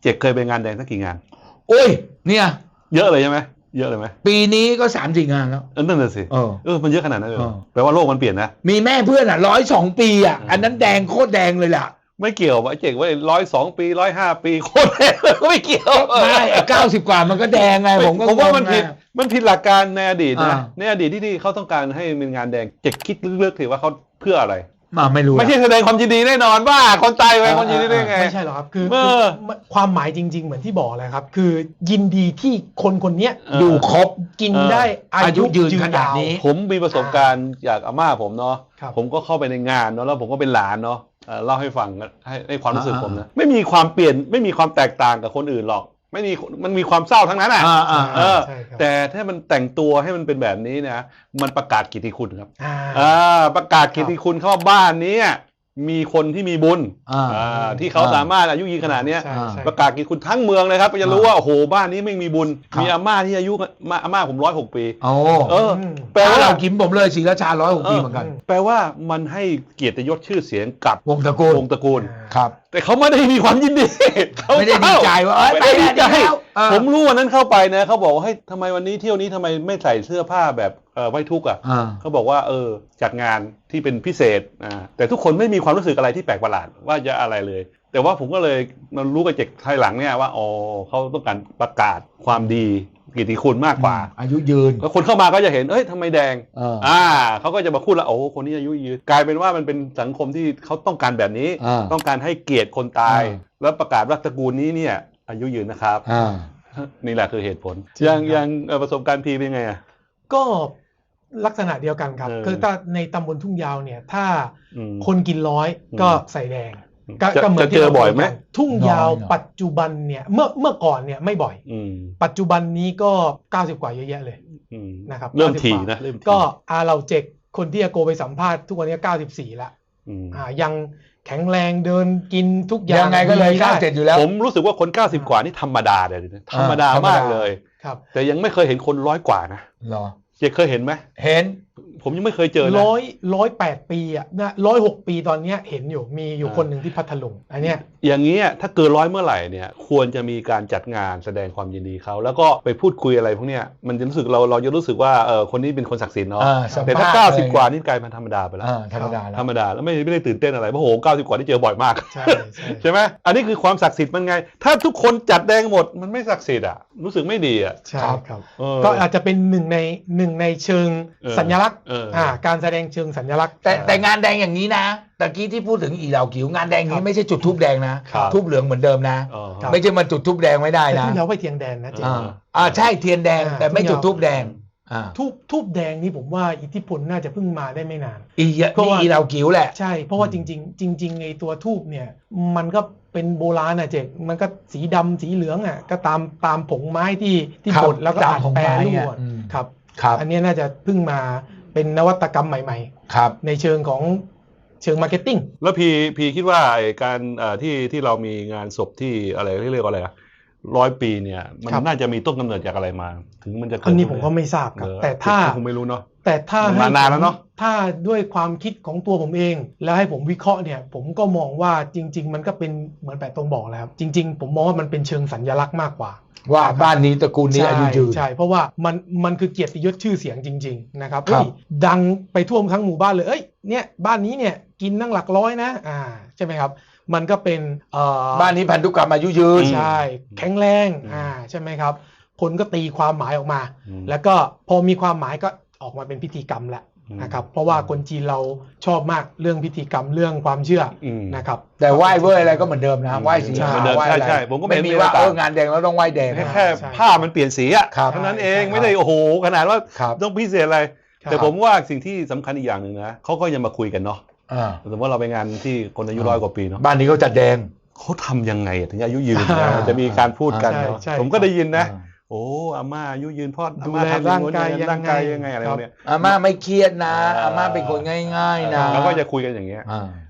Speaker 3: เจกเคยไปงานแดงสักกี่งาน
Speaker 1: โอ้ยเนี่ย
Speaker 3: เยอะเลยใช่ไหมเยอะเลยไหม
Speaker 1: ปีนี้ก็สามสี่งานแล้ว
Speaker 3: เออนั่นน่ะสิ
Speaker 1: เออ
Speaker 3: เออมันเยอะขนาดนั้นเลย
Speaker 1: เออ
Speaker 3: แปลว่าโลกมันเปลี่ยนนะ
Speaker 1: มีแม่เพื่อนอ่ะร้อยสองปีอ่ะ
Speaker 3: อืม
Speaker 1: อันนั้นแดงโคตรแดงเลยล่ะ
Speaker 3: ไม่เกี่ยวไอ้เจ๋งว่าร้อยสองปีร้อยห้าปีโคตรแพงก็ไม่เกี่ยว
Speaker 1: ไม่เก้าสิบกว่ามันก็แดงไงผมก็
Speaker 3: ผมว่ามัน
Speaker 1: งงไง
Speaker 3: ผิดมันผิดหลักการในอดีตนะ
Speaker 1: อ่า
Speaker 3: ในอดีตที่ที่เขาต้องการให้เป็นงานแดงเจ็กคิดลึกๆถือว่าเขาเพื่ออะไร
Speaker 1: มาไม่รู้
Speaker 3: ไม่ใช่แสดงความยินดีแน่นอนว่าคนตายไปความยินดีได้ไง
Speaker 2: ไม่ใช่หรอกครับคือ
Speaker 3: เออ
Speaker 2: คือความหมายจริง ๆ เหมือนที่บอกเลยครับ คือยินดีที่คนคนเนี้ย
Speaker 3: เออ
Speaker 1: อยู่ครบ
Speaker 2: กิน
Speaker 3: เออ
Speaker 2: ได้อา
Speaker 1: อายุ
Speaker 2: ยุ
Speaker 1: ยืน
Speaker 2: ยืน
Speaker 1: ขนาด
Speaker 2: ยาว
Speaker 1: นี้
Speaker 3: ผมมีประสบการณ์จากอาม่าผมเนาะ
Speaker 2: ครับ
Speaker 3: ผมก็เข้าไปในงานเนาะแล้วผมก็เป็นหลานเนาะเอ่อเล่าให้ฟังให้ให้ความรู้สึก
Speaker 1: อ่า
Speaker 3: ผมนะไม่มีความเปลี่ยนไม่มีความแตกต่างกับคนอื่นหรอก ไม่มีมันมีความเศร้าทั้งนั้นอ่ะ
Speaker 1: อ่าอ่า
Speaker 3: เออ
Speaker 2: ใช่ครับ
Speaker 3: แต่ถ้ามันแต่งตัวให้มันเป็นแบบนี้นะมันประกาศกิตติคุณครับ
Speaker 2: อ่า
Speaker 3: อ่าประกาศกิตติคุณเขาว่าบ้านนี้มีคนที่มีบุญ
Speaker 1: อ่า
Speaker 3: อ่าที่เขาสามารถอายุยืนขนาดเนี้ย
Speaker 2: ใช่ใช่
Speaker 3: ประกาศกิตติคุณทั้งเมืองเลยครับจะรู้ว่าโอ้โหบ้านนี้ไม่มีบุญ
Speaker 1: ครับ
Speaker 3: มีอาม่าที่อายุมาอาม่าผมร้อยหกปี
Speaker 1: โอ้
Speaker 3: เออ
Speaker 2: ม
Speaker 3: แปล
Speaker 1: แปลว่า
Speaker 3: ว่า
Speaker 1: เรากินผมเลยศรีราชาร้อยหกปีเหมือนกัน
Speaker 3: แปลว่ามันให้เกียรติยศชื่อเสียงกับ
Speaker 1: วงตระกูล
Speaker 3: วงตระกูล
Speaker 1: ครับ
Speaker 3: แต่เขาไม่ได้มีความยินดีเขา
Speaker 1: ไม่ได้ดีใจว่าเอ้ย
Speaker 3: ไม่ได้ดีใจ
Speaker 1: ไปแล้วเออ
Speaker 3: ผมรู้วันนั้นเข้าไปนะเขาบอกว่าเฮ้ยทำไมวันนี้เที่ยวนี้ทำไมไม่ใส่เสื้อผ้าแบบเอ่อไว้ทุกข์อ่ะ
Speaker 1: อ่า
Speaker 3: เขาบอกว่าเออจัดงานที่เป็นพิเศษอ่าแต่ทุกคนไม่มีความรู้สึกอะไรที่แปลกประหลาดว่าจะอะไรเลย แต่ว่าผมก็เลยมารู้กับเจกภายหลังเนี่ยว่าอ๋อเขาต้องการประกาศความดีกิตติคุณมากกว่า
Speaker 1: อายุยืน
Speaker 3: แล้วคนเข้ามาก็จะเห็นเอ้ยทำไมแดง
Speaker 1: เออ
Speaker 3: อ่าเขาก็จะมาพูดแล้วโอ้คนนี้อายุยืนกลายเป็นว่ามันเป็นสังคมที่เขาต้องการแบบนี้
Speaker 1: อ่า
Speaker 3: ต้องการให้เกียรติคนตาย
Speaker 1: อ่า
Speaker 3: แล้วประกาศว่าตระกูลนี้เนี่ยอายุยืนนะครับ
Speaker 1: อ่า
Speaker 3: นี่แหละคือเหตุผล
Speaker 2: จริง
Speaker 3: ยัง
Speaker 2: ครับ
Speaker 3: ยังเอ่อประสบการณ์พีเป็นไงอ่ะ
Speaker 2: ก็ลักษณะเดียวกันครับ
Speaker 3: เออ
Speaker 2: คือถ้าในตำบลทุ่งยาวเนี่ย ถ้า
Speaker 3: อืม
Speaker 2: คนกินร้อย
Speaker 3: อืม
Speaker 2: ก็ใส่แดงก็
Speaker 3: จะ
Speaker 2: ก็เหมือน
Speaker 3: จะเจอ
Speaker 2: ที่รา
Speaker 3: บ่อยไหม
Speaker 2: คุกันทุ่งยาว
Speaker 1: น้อยหน่อย
Speaker 2: ปัจจุบันเนี่ยเมื่อเมื่อก่อนเนี่ยไม่บ่อย
Speaker 3: อืม
Speaker 2: ปัจจุบันนี้ก็เก้าสิบกว่าเยอะแยะเลย
Speaker 3: อืม
Speaker 2: นะครับ
Speaker 3: เริ่ม
Speaker 2: เก้าสิบ
Speaker 3: ถี่
Speaker 2: กว่า
Speaker 3: นะเริ่มถี่
Speaker 2: ก็อาเราเจกคนที่อาโกไปสัมภาษณ์ทุกวันนี้เก้าสิบสี่ละ
Speaker 3: อืม
Speaker 2: อ่ายังแข็งแรงเดินกินทุกอย่าง
Speaker 1: ยังไงก็เลย
Speaker 2: ดี
Speaker 1: เก้า
Speaker 2: ได้
Speaker 1: เจ็ดอยู่แล้ว
Speaker 3: ผมรู้สึกว่าคนเก้าสิบกว่านี่ธรรมดาเลยนะธรรมดา
Speaker 1: ธรรมดาม
Speaker 3: มากเลย
Speaker 2: ครับ
Speaker 3: แต่ยังไม่เคยเห็นคนร้อยกว่านะ
Speaker 1: เหรอ
Speaker 3: เจเคยเห็นไหม
Speaker 1: เห็น
Speaker 3: ผมยังไม่เคยเจอนะ
Speaker 2: ร้อยร้อยแปดปีอ่ะนะร้อยหกปีตอนเนี้ยเห็นอยู่มีอยู่
Speaker 3: อ่า
Speaker 2: คนหนึ่งที่พัทลุงอันเนี้ย
Speaker 3: อย่างนี้ยถ้าเกินร้อยเมื่อไหร่เนี่ยควรจะมีการจัดงานแสดงความยินดีเขาแล้วก็ไปพูดคุยอะไรพวกเนี้ยมันจะรู้สึกเราเราจะรู้สึกว่าเออคนนี้เป็นคนศักดิ์สิทธิ์เนาะ
Speaker 1: อ่าสัมภาษณ์
Speaker 3: แต่ถ้าเก้าสิบ
Speaker 1: เลย
Speaker 3: กว่านี่กลายเป็นธรรมดาไปแล้ว
Speaker 1: อ่าธรรมดาแล้ว
Speaker 3: ธรรมดาแล้วไม่ไม่ได้ตื่นเต้นอะไรเพราะโหเก้าสิบกว่าที่เจอบ่อยมาก
Speaker 2: ใช่ใช่
Speaker 3: ใช่ไหมอันนี้คือความศักดิ์สิทธิ์มันไง ถ้าทุกคนจัดแดงหมดมันไม่ศักดิ์สิทธิ์อ่ะรู้สึกไม่ดีอ่ะ
Speaker 2: ใช่ครับ
Speaker 3: เออ
Speaker 2: ก็อาจจะเป็นหนึ่งในหนึ่งในเชิง
Speaker 3: เออ
Speaker 2: สัญลักษณ์
Speaker 3: เอออ่
Speaker 2: อ่าการแสดงเชิงสัญลักษณ์
Speaker 1: แต่
Speaker 2: อ่า
Speaker 1: แต่งานแดงอย่างนี้นะตะกี้ที่พูดถึงอีเหล่ากิ๋วงานแดงนี้ไม่ใช่จุดทูบแดงนะครับ ทูบเหลืองเหมือนเดิมนะ
Speaker 3: อ๋อ
Speaker 2: ครับ
Speaker 1: ไม่ใช่มาจุดทูบแดงไม่ได้
Speaker 2: แต่
Speaker 1: นะ
Speaker 2: ที่เราไปเทียงแดนนะเจ๊
Speaker 1: อ่าอ่าใช่เทียนแดง
Speaker 2: อ่า
Speaker 1: แต่ไม่จุดทูบแดงอ่า
Speaker 2: ทูบทูบแดงนี่ผมว่าอิทธิพลน่าจะเพิ่งมาได้ไม่นาน
Speaker 1: อีเยอะ
Speaker 2: เพราะ
Speaker 1: นี่
Speaker 2: ว่า
Speaker 1: อีเหล่ากิ๋วแหละ
Speaker 2: ใช่เพราะว่าจริง ๆ จริงๆไอตัวทูบเนี่ยมันก็เป็นโบราณอ่ะเจ๊มันก็สีดำสีเหลืองอ่ะก็ตามตามผงไม้ที่ที่
Speaker 1: ครับ
Speaker 2: บดแล้วก็
Speaker 1: ตาม
Speaker 2: อัด
Speaker 1: ผง
Speaker 2: แปร
Speaker 1: ไม้
Speaker 2: รูป
Speaker 1: อ่ะ
Speaker 2: อ่ะ
Speaker 1: อืม
Speaker 2: ครับ
Speaker 1: ครับ
Speaker 2: อันนี้น่าจะเพิ่งมาเป็นนวัตกรรมใหม่
Speaker 1: ครับ
Speaker 2: ๆ ในเชิงของเชิงมาร์เก็ตติ้ง
Speaker 3: แล้วพีพีคิดว่าไอ้การเอ่อที่ที่เรามีงานศพที่อะไรที่เรียกว่าอะไรอะร้อยปีเนี่ยมัน
Speaker 2: ครับ
Speaker 3: น่าจะมีต้นกำเนิดจากอะไรมา ถึงมันจะเกิด
Speaker 2: อันนี้ผมก็ไม่ทราบครับ
Speaker 3: เออ
Speaker 2: แต่ถ้า
Speaker 3: คงไม่รู้เนาะ
Speaker 2: แต่ถ้า
Speaker 3: มัน
Speaker 2: ให้
Speaker 3: มานานแล้วเนอะ
Speaker 2: ผมถ้าด้วยความคิดของตัวผมเอง แล้วให้ผมวิเคราะห์เนี่ยผมก็มองว่าจริง ๆ มันก็เป็นเหมือนแปะตรงบอกแล้วครับจริง ๆ ผมมองว่ามันเป็นเชิงสัญลักษณ์มากกว่า
Speaker 1: ว่าบ้านนี้ตระกูลนี้อายุยืน
Speaker 2: ใช่เพราะว่ามันมันคือเกียรติยศชื่อเสียงจริง ๆ นะครับ
Speaker 1: ครับ
Speaker 2: เฮ้ยดังไปทั่วทั้งหมู่บ้านเลยเอ้ยเนี่ยบ้านนี้เนี่ยกินนั่งหลักร้อยนะอ่าใช่ไหมครับมันก็เป็นเอ่อ
Speaker 1: บ้านนี้พันธุกรรมอายุยืน
Speaker 2: ใช่แข็งแรงอ่าใช่ไหมครับคนก็ตีความหมายออกมา
Speaker 3: อืม
Speaker 2: แล้วก็พอมีความหมายก็ออกมาเป็นพิธีกรรมแหละ
Speaker 3: อืม
Speaker 2: นะครับเพราะว่าคนจีนเราชอบมากเรื่องพิธีกรรมเรื่องความเชื่ออ
Speaker 3: ม
Speaker 2: นะครับ
Speaker 1: แต่ไหว้เว้ยอะไรก็เหมือนเดิมนะไหว้สี
Speaker 2: ใช่
Speaker 1: ขาว
Speaker 3: เหมือนเดิม
Speaker 1: ไหว้อะไร
Speaker 3: ใช่ใช่ผมก็ไม่
Speaker 1: ไม่
Speaker 3: เห็น
Speaker 1: มี
Speaker 3: มี
Speaker 1: ว่า
Speaker 3: อะไรต่าง
Speaker 1: เอองานแดงแล้วต้องไหว้แดง
Speaker 3: แค่
Speaker 1: นะ
Speaker 3: แค่
Speaker 2: ใช่
Speaker 3: ผ้ามันเปลี่ยนสีอะ
Speaker 1: ครับ
Speaker 3: เท่านั้นเอง
Speaker 2: ใช่
Speaker 3: ไม่ได้โอ้โหขนาดว่า
Speaker 1: ครับ
Speaker 3: ต้องพิเศษอะไร
Speaker 2: ครับ
Speaker 3: แต่ผมว่าสิ่งที่สำคัญอีกอย่างหนึ่งนะเขาก็ยังมาคุยกันเนาะ
Speaker 1: อ่า
Speaker 3: สมมติว่าเราไปงานที่คนอายุร้อยกว่าปีเนาะ
Speaker 1: บ้านนี้เขาจัดแดง
Speaker 3: เขาทำยังไงถึงอายุยืน
Speaker 2: อ่า
Speaker 3: จะมีการพูดกัน
Speaker 2: ใช่
Speaker 3: เนาะ
Speaker 2: ใช่
Speaker 3: ผมก็ได้ยินนะ
Speaker 1: อ่า
Speaker 3: โอ้อาม่าอายุยืนเพ่อ
Speaker 2: ดู
Speaker 3: อาม่า
Speaker 2: แล
Speaker 3: ทำอย่างนู้น
Speaker 2: ร่างกาย
Speaker 3: อย่างนี้
Speaker 2: ยังไง
Speaker 3: ร่างกายยังไงอะไรพวกเนี้ย
Speaker 1: อาม่าไม่เครียดนะ
Speaker 3: อ่า
Speaker 1: อาม่าเป็นคนง่ายๆนะ
Speaker 3: เราก็จะคุยกันอย่างเงี้ย
Speaker 1: อ่า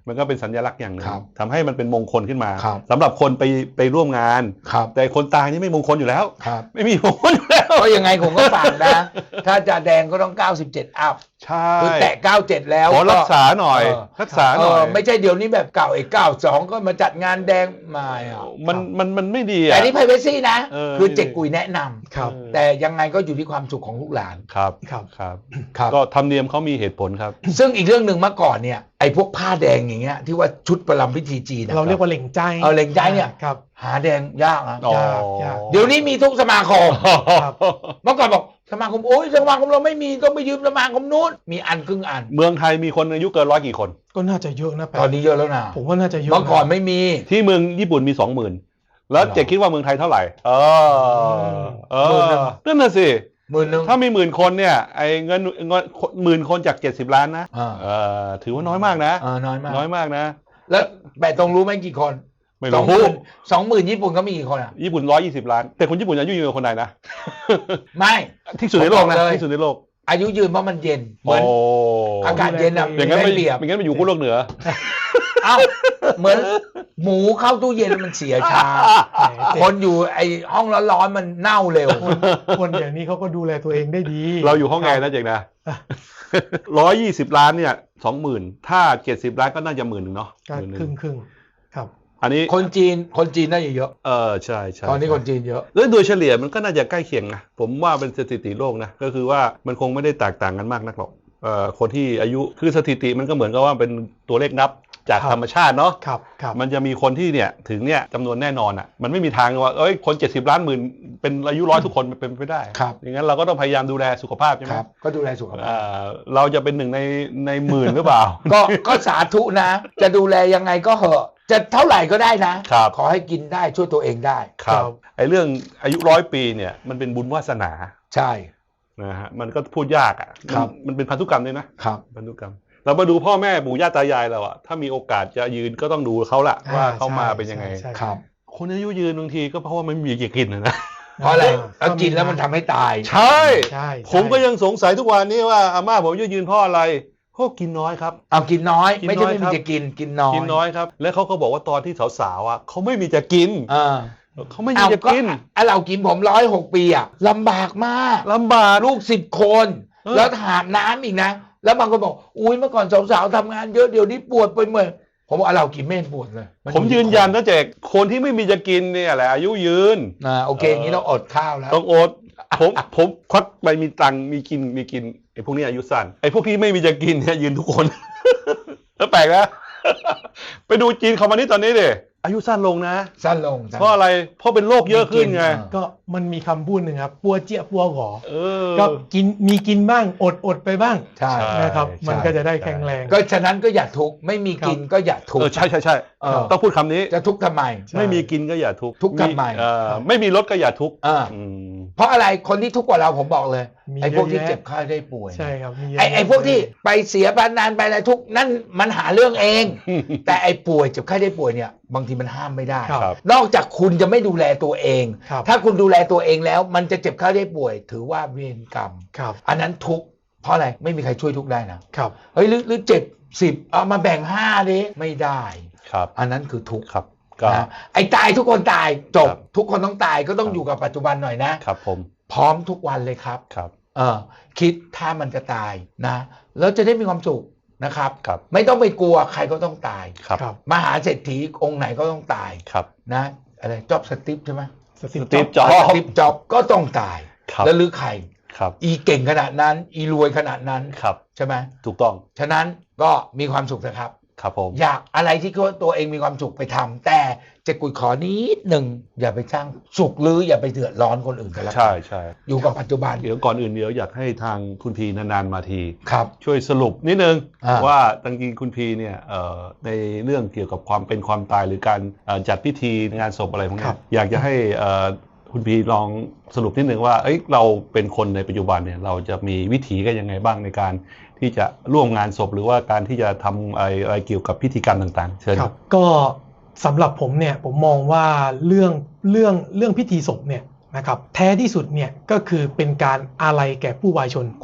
Speaker 3: มันก็เป็นสัญลักษณ์อย่างหนึ่ง
Speaker 1: ครับ
Speaker 3: ทำให้มันเป็นมงคลขึ้นมา
Speaker 1: ครับ
Speaker 3: สำหรับคนไปไปร่วมงาน
Speaker 1: ครับ
Speaker 3: แต่คนตายนี่ไม่มงคลอยู่แล้ว
Speaker 1: ครับ
Speaker 3: ไม่มีมงคลอยู่แล้ว
Speaker 1: ก็ยังไงผมก็ฝากนะ ถ้าจะแดงก็ต้องเก้าสิบเจ็ดอัพ
Speaker 3: ใช่
Speaker 1: คือแตะเก้าสิบเจ็ดแล้ว
Speaker 3: ขอรักษาหน่อย
Speaker 1: เ
Speaker 3: รักษาหน่อย
Speaker 1: เไม่ใช่เดี๋ยวนี้แบบเก่าไอ้เก้าสองก็มาจัดงานแดงมาอ่ะ
Speaker 3: มันมันมันไม่ดี
Speaker 1: แต่
Speaker 3: อ่ะ
Speaker 1: นี่ privacy นะ
Speaker 3: เออ
Speaker 1: คือเจ๊กกุยแนะนำ
Speaker 2: ครับ
Speaker 1: แต่ยังไงก็อยู่ที่ความสุขของลูกหลาน
Speaker 3: ครับ
Speaker 2: ครับ
Speaker 3: ครับ
Speaker 1: ครับ
Speaker 3: ก็ธรรมเนียมเขามีเหตุผลครับ
Speaker 1: ซึ่งอีกเรื่องหนึ่งเมื่อก่อนเนี่ยไอ้พวกผ้าแดงอย่างเงี้ยที่ว่าชุดประลำพิธีจีนอะ
Speaker 2: เราเรียกว่าเหล่งใจ
Speaker 1: เออเหล่งใจเนี่ย
Speaker 2: ครับ
Speaker 1: หาแดงยากนะ
Speaker 3: อ๋อ
Speaker 2: ยากยาก
Speaker 1: เดี๋ยวนี้มีทุกสมาคม
Speaker 2: ครับ
Speaker 1: เมื่อก่อนบอกสมาคมโอ้ยสมาคมเราไม่มีต้องไปยืมสมาคมนู้นมีอันครึ่งอัน
Speaker 3: เมืองไทยมีคนอายุเกินร้อยกี่คน
Speaker 2: ก็น่าจะเยอะนะแปะ
Speaker 1: ตอนนี้เยอะแล้วนะ
Speaker 2: ผมว่าน่าจะเยอะ
Speaker 1: เมื่อก่อนไม่มี
Speaker 3: ที่เมืองญี่ปุ่นมีสองหมื่นแล้ว
Speaker 1: เหรอ
Speaker 3: เจ๊คิดว่าเมืองไทยเท่าไหร่เออเอ
Speaker 1: หมื่นหนึ่
Speaker 3: อง นั่นน่ะสิ
Speaker 1: หมื่นหนึ่ง
Speaker 3: ถ้ามีหมื่นคนเนี่ยไอ้เงินเงินหมื่นคนจากเจ็ดสิบล้านนะ
Speaker 1: อ่า
Speaker 3: เออถือว่าน้อยมากนะ
Speaker 1: อ่าน้อยมาก
Speaker 3: น้อยมากนะ
Speaker 1: แล้วแปะตรงรู้ไหมกี่คน
Speaker 3: ไม่
Speaker 1: สองห
Speaker 3: รู้
Speaker 1: มื่นสองหมื่นญี่ปุ่นเขามีกี่คนอ่ะ
Speaker 3: ญี่ปุ่นร้อยยี่สิบล้าน แต่คนญี่ปุ่นอายุยืนกว่าคนไทยนะ
Speaker 1: ไม่
Speaker 3: ที่สุดในโลกนะ
Speaker 1: ผมบอกเลย
Speaker 3: ที่สุดในโลก
Speaker 1: อายุยืนเพราะมันเย็นเหมือน
Speaker 3: โอ้
Speaker 1: อากาศเย็นอ่ะ
Speaker 3: อย่างนั้น
Speaker 1: ได้
Speaker 3: ไม่
Speaker 1: เปรียบ
Speaker 3: อย่างนั้นไปอยู่ขั้วโลกเหนือ
Speaker 1: เอ้าเหมือนหมูเข้าตู้เย็นแล้วมันเสียช้า
Speaker 2: แหมเจ๊
Speaker 1: คนอยู่ไอ้ห้องร้อนๆมันเน่าเร็ว
Speaker 2: คนคนอย่างนี้เขาก็ดูแลตัวเองได้ดี
Speaker 3: เราอยู่ห้องแอร์นะเจ๊นะร้อยยี่สิบล้านเนี่ยสองหมื่นถ้าเจ็ดสิบล้านก็น่าจะหมื่นหนึ่งเนาะ
Speaker 2: ก็
Speaker 3: หมื่นหนึ่
Speaker 2: ครึ่งครึ่งครับ
Speaker 3: อันนี้
Speaker 1: คนจีนคนจีนน่าจะเยอะ
Speaker 3: เออใช่ใช่
Speaker 1: ตอนนี้คนจีนเยอะ
Speaker 3: แล้วโดยเฉลี่ยมันก็น่าจะใกล้เคียงนะผมว่าเป็นสถิติโลกนะก็คือว่ามันคงไม่ได้แตกต่างกันมากนักหรอกเอ่อคนที่อายุคือสถิติมันก็เหมือนกับว่าเป็นตัวเลขนับจาก
Speaker 2: ครับ
Speaker 3: ธรรมชาติเนาะ
Speaker 2: ครับครับ
Speaker 3: มันจะมีคนที่เนี่ยถึงเนี่ยจำนวนแน่นอนอ่ะมันไม่มีทางว่าเอ้ยคนเจ็ดสิบล้านหมื่นเป็นอายุร้อยทุกคนมันเป็นไปไม่ได้
Speaker 1: ครับ
Speaker 3: อย่างนั้นเราก็ต้องพยายามดูแลสุขภาพใช่ไห
Speaker 1: ค
Speaker 3: ม
Speaker 1: รับ ก็ดูแลสุขภาพ
Speaker 3: อ่าเราจะเป็นหนึ่งในในหมื่นหรือเปล่า
Speaker 1: ก็ก็สาธุนะ จะดูแลยังไงก็เหอะ จะเท่าไหร่ก็ได้นะครับ ขอให้กินได้ช่วยตัวเองได้
Speaker 3: ครับไอ้เรื่องอายุร้อยปีเนี่ยมันเป็นบุญวาสนา
Speaker 1: ใช่
Speaker 3: นะฮะมันก็พูดยากอ่ะ
Speaker 1: ครับ
Speaker 3: มันมันเป็นพันธุกรรมด้วยนะครับ พันธุกรรม เรามาดูพ่อแม่ปู่ย่าตายายเราอะถ้ามีโอกาสจะยืนก็ต้องดูเขาละว่าเขามาเป็นยังไง
Speaker 2: ใช่
Speaker 1: ครับ
Speaker 3: คนอายุยืนบางทีก็เพราะว่ามันไม่มีจะกินนะนะ
Speaker 1: เพราะอะไรแล้วกินแล้วมันทำให้ตาย
Speaker 3: ใช่
Speaker 2: ใช่
Speaker 3: ผมก็ยังสงสัยทุกวันนี้ว่าอาม่าผมอายุยืนเพราะอะไรเพราะกินน้อยครับ
Speaker 1: เอากินน้อย
Speaker 3: กินน้อย
Speaker 1: ไม่ใช่ไม่
Speaker 3: ครั
Speaker 1: มี
Speaker 3: บ
Speaker 1: จะกินกินน้อย
Speaker 3: กินน้อยครับ แล้วเขาก็บอกว่าตอนที่สาวๆอ่ะเขาไม่มีจะกิน
Speaker 1: เออ
Speaker 3: เขาไม่มี
Speaker 1: เอา
Speaker 3: จะ
Speaker 1: ก็
Speaker 3: กิน
Speaker 1: ไอ้เรากินผมร้อยหกปีอะลำบากมาก
Speaker 3: ลำบาก
Speaker 1: ลูกสิบคน
Speaker 3: เออ
Speaker 1: แล้วหาบน้ำอีกนะ แล้วบางคนบอกอุ้ยเมื่อก่อนสาวๆทำงานเยอะเดี๋ยวนี้ปวดไปหมดผมบอกเรากินไม่เห็นปวดเลยน
Speaker 3: ผมยืนยันนะแจกคนที่ไม่มีจะกินเนี่ยแหละอายุยืน
Speaker 1: อ่าโอเคอย่างนี้เราอดข้าวแล้ว
Speaker 3: ต้องอดผมผมควักไปมีตังค์มีกินมีกินไอ้พวกนี้อายุสั้นไอ้พวกที่ไม่มีจะกินเนี่ยยืนทุกคน แล้วแปลกนะ ไปดูจีนคอมมานิสต์ตอนนี้ดิอายุสั้นลงนะ
Speaker 1: สั้นลงสั้น
Speaker 3: เพราะอะไรเพราะเป็นโรคเยอะขึ้นไง
Speaker 1: ไม่กิน
Speaker 2: ก็มันมีคำพูดหนึ่งครับปัวเจี๊ยปัวหงอ
Speaker 3: เออ
Speaker 2: ก็กินมีกินบ้างอดอดไปบ้าง
Speaker 1: ใช่
Speaker 3: ใช่
Speaker 2: นะครับ มัน
Speaker 3: ใช่
Speaker 2: ก็จะได้แข็งแรง
Speaker 1: ก็ฉะนั้นก็อย่าทุกข์ไม่มีกินก็อย่าทุก
Speaker 3: เออ
Speaker 1: ข์
Speaker 3: ใช่ใช่ใช่
Speaker 1: เออ
Speaker 3: ต้องพูดคำนี้
Speaker 1: จะทุกข์ทำไม
Speaker 2: ใช่
Speaker 3: ไม่มีกินก็อย่าทุกข์
Speaker 1: ทุกข์ทำไม
Speaker 3: เออไม่มีรถก็อย่าทุกข์
Speaker 1: อ่า
Speaker 3: อืม
Speaker 1: เพราะอะไรคนที่ทุกข์กว่าเราผมบอกเลย
Speaker 2: มี
Speaker 1: ไอ้พวกที่
Speaker 2: เยอะแยะ
Speaker 1: เจ็บไข้ได้ป่วย
Speaker 2: ใช่ครับมีเยะ
Speaker 1: ไอ้ไอ้พวกที่ไปเสียพนันไปอะไรทุกข์นั่นมันหาเรื่องเอง แต่ไอ้ป่วยเจ็บไข้ได้ป่วยเนี่ยบางทีมันห้ามไม่ได้
Speaker 2: ครับ
Speaker 3: ครับ
Speaker 1: นอกจากคุณจะไม่ดูแลตัวเอง
Speaker 2: ครับ
Speaker 1: ถ้าคุณดูแลตัวเองแล้ว มันจะเจ็บไข้ได้ป่วย ถือว่าเวรกรรม
Speaker 2: ครับ
Speaker 1: อันนั้นทุกข์เพราะอะไรไม่มีใครช่วยทุกข์ได้นะครับ เฮ้ยหรือหรือเจ็บสิบเอามาแบ่งห้าดิไม่ได้
Speaker 3: ครับ
Speaker 1: อันนั้นคือทุกข์
Speaker 3: ครับก็
Speaker 1: นะไอ้ตายทุกคนตายจบ
Speaker 3: ครับ
Speaker 1: ทุกคนต้องตายก็ต้อง
Speaker 3: ครับ
Speaker 1: อยู่กับปัจจุบันหน่อยนะ
Speaker 3: ครับผม
Speaker 1: พร้อมทุกวันเลยครับ
Speaker 3: ครับ
Speaker 1: เออคิดถ้ามันจะตายนะแล้วจะได้มีความสุขนะครับ
Speaker 3: ครับ
Speaker 1: ไม่ต้องไปกลัวใครก็ต้องตาย
Speaker 3: ครับ
Speaker 2: ครับ
Speaker 1: มหาเศรษฐีองค์ไหนก็ต้องตาย
Speaker 3: ครับ
Speaker 1: นะอะไรจ็อบสติปใช่ไหม
Speaker 2: สติ
Speaker 3: สตีฟ
Speaker 2: จ็อบ
Speaker 3: จ็อบ
Speaker 1: สติปจ็อบก็ต้องตาย
Speaker 3: ครับ
Speaker 1: แล้วหรือใคร
Speaker 3: ครับ
Speaker 1: อีเก่งขนาดนั้น อีรวยขนาดนั้น
Speaker 3: ครับ
Speaker 1: ใช่ไหม
Speaker 3: ถูกต้อง
Speaker 1: ฉะนั้นก็มีความสุขนะครับ
Speaker 3: ครับผม
Speaker 1: อยากอะไรที่ตัวเองมีความสุขไปทำแต่เจะกุยขอนิดหนึ่งอย่าไปสร้างสุขหรืออย่าไปเดือดร้อนคนอื่นกันแล้ว
Speaker 3: ใช่ใช่
Speaker 1: อยู่กับปัจจุบัน
Speaker 3: เดี๋ยวก่อนอื่นเดี๋ยวอยากให้ทางคุณพีนานๆมาที
Speaker 1: ครับ
Speaker 3: ช่วยสรุปนิดนึง
Speaker 1: อ่า
Speaker 3: ว่าจริงๆคุณพีเนี่ยเอ่อในเรื่องเกี่ยวกับความเป็นความตายหรือการเอ่อจัดพิธีงานศพอะไรพวก
Speaker 2: ครั
Speaker 3: นี้
Speaker 2: บ
Speaker 3: อยากจะให้เอ่อคุณพีลองสรุปนิดนึงว่าเอ้ยเราเป็นคนในปัจจุบันเนี่ยเราจะมีวิถีกันยังไงบ้างในการที่จะร่วมงานศพหรือว่าการที่จะทำอะไรอะไรเกี่ยวกับพิธีกรรมต่างๆเชิญ
Speaker 2: ครับก็สำหรับผมเนี่ยผมมองว่าเรื่องเรื่องเรื่องพิธีศพเนี่ยนะครับแท้ที่สุดเนี่ยก็คือเป็นการอาลัยแก่ผู้วายชนคนหนึ่ง